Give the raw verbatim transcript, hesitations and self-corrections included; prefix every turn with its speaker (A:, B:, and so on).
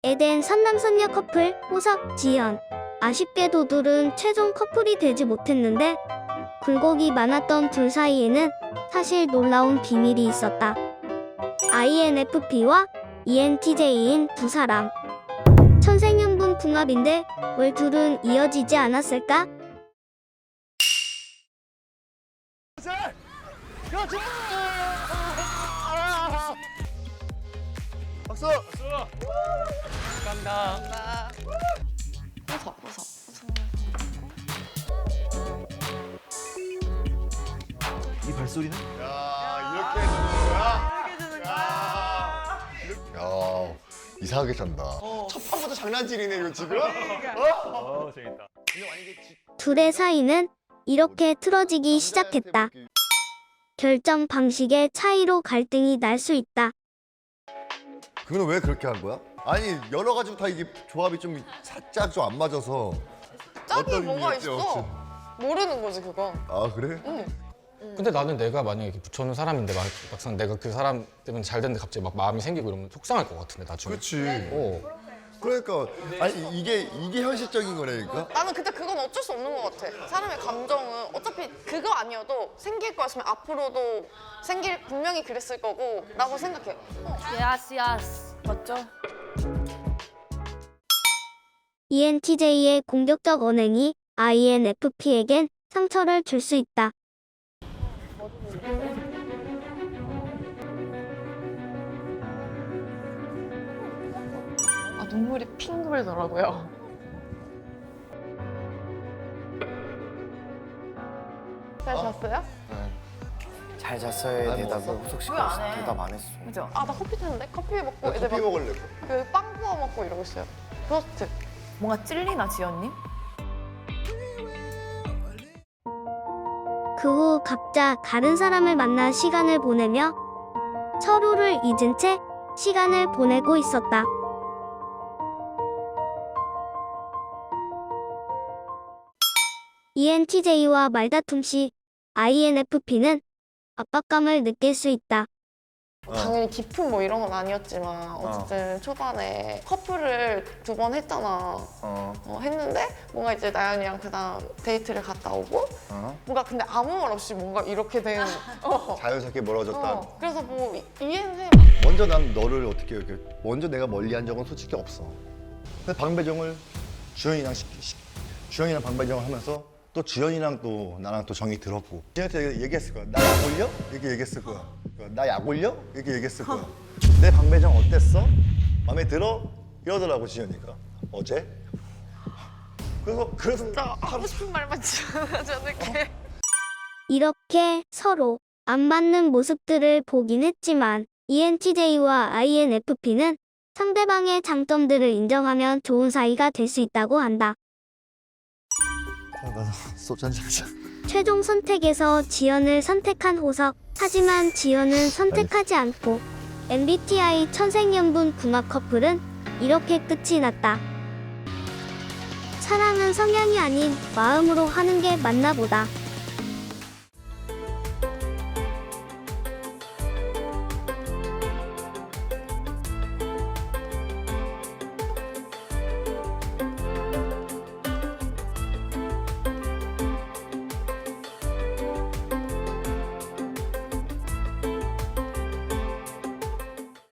A: 에덴 선남선녀 커플 호석, 지연. 아쉽게도 둘은 최종 커플이 되지 못했는데 굴곡이 많았던 둘 사이에는 사실 놀라운 비밀이 있었다. 아이엔에프피와 이엔티제이인 두 사람. 천생연분 궁합인데 왜 둘은 이어지지 않았을까?
B: 박수!
C: 박수! 감사합니다.
D: 웃어, 웃어.
B: 이 발소리는? 야, 이렇게 해주는 거야?
D: 이렇게 주는
B: 야, 이렇게- 야, 이상하게 잔다. 첫 판부터 장난질이네, 이거 지금?
C: 어, 재밌다.
A: 둘의 사이는 이렇게 틀어지기 시작했다. 결정 방식의 차이로 갈등이 날 수 있다.
B: 그거는 왜 그렇게 한 거야? 아니, 여러 가지로 다 이게 조합이 좀 살짝 좀 안 맞아서.
D: 짝이
B: 어떤
D: 뭐가
B: 의미였지,
D: 있어?
B: 어쨌든.
D: 모르는 거지 그거.
B: 아, 그래?
D: 응.
E: 근데 나는 내가 만약에 이렇게 붙여놓은 사람인데 막, 막상 내가 그 사람 때문에 잘 됐는데 갑자기 막 마음이 생기고 이러면 속상할 것 같은데 나중에.
B: 그렇지.
E: 어.
B: 그러니까 아니 이게 이게 현실적인 거라니까.
D: 나는 근데 그건 어쩔 수 없는 것 같아. 사람의 감정은 어차피 그거 아니어도 생길 거였으면 앞으로도 생길 분명히 그랬을 거고 라고 생각해. 어.
F: 야스 야스 맞죠?
A: 이엔티제이의 공격적 언행이 아이엔에프피에겐 상처를 줄 수 있다.
D: 아 눈물이 핑 돌더라고요. 잘 잤어요?
G: 잘 잤어요. 대답을 호석 씨가 대답 안 했어.
F: 그죠?
D: 아 나 커피 탔는데 커피 먹고
B: 나
D: 애들
B: 커피
D: 막
B: 먹을래.
D: 그 빵 구워 먹고 이러고 있어요. 브로스트.
F: 뭔가 찔리나 지연님?
A: 그 후 각자 다른 사람을 만나 시간을 보내며 서로를 잊은 채 시간을 보내고 있었다. 이엔티제이와 말다툼 시 아이엔에프피는 압박감을 느낄 수 있다.
D: 당연히 깊은 뭐 이런 건 아니었지만 어쨌든 초반에 커플을 두 번 했잖아.
G: 어.
D: 어, 했는데 뭔가 이제 나연이랑 그다음 데이트를 갔다 오고
G: 어?
D: 뭔가 근데 아무 말 없이 뭔가 이렇게 된 어.
B: 자연스럽게 멀어졌다.
D: 어. 그래서 뭐 이해는 해.
B: 먼저 난 너를 어떻게 이렇게 먼저 내가 멀리한 적은 솔직히 없어. 근데 방배정을 주연이랑 시, 시, 주연이랑 방배정을 하면서 또 주연이랑 또 나랑 또 정이 들었고 주연한테 얘기했을 거야. 나 약 올려? 이렇게 얘기했을 거야. 나 약 올려? 이렇게 얘기했을 거야. 내 방배정 어땠어? 마음에 들어? 이러더라고 지연이가 어제. 그래서 그래서
D: 진짜 하고 싶은 말만 지어내지 않을게.
A: 이렇게 서로 안 맞는 모습들을 보긴 했지만 이엔티제이와 아이엔에프피는 상대방의 장점들을 인정하면 좋은 사이가 될 수 있다고 한다.
B: 나 소주 한잔 하자.
A: 최종 선택에서 지연을 선택한 호석. 하지만 지연은 선택하지 않고 엠비티아이 천생연분 궁합 커플은 이렇게 끝이 났다. 사랑은 성향이 아닌 마음으로 하는 게 맞나 보다.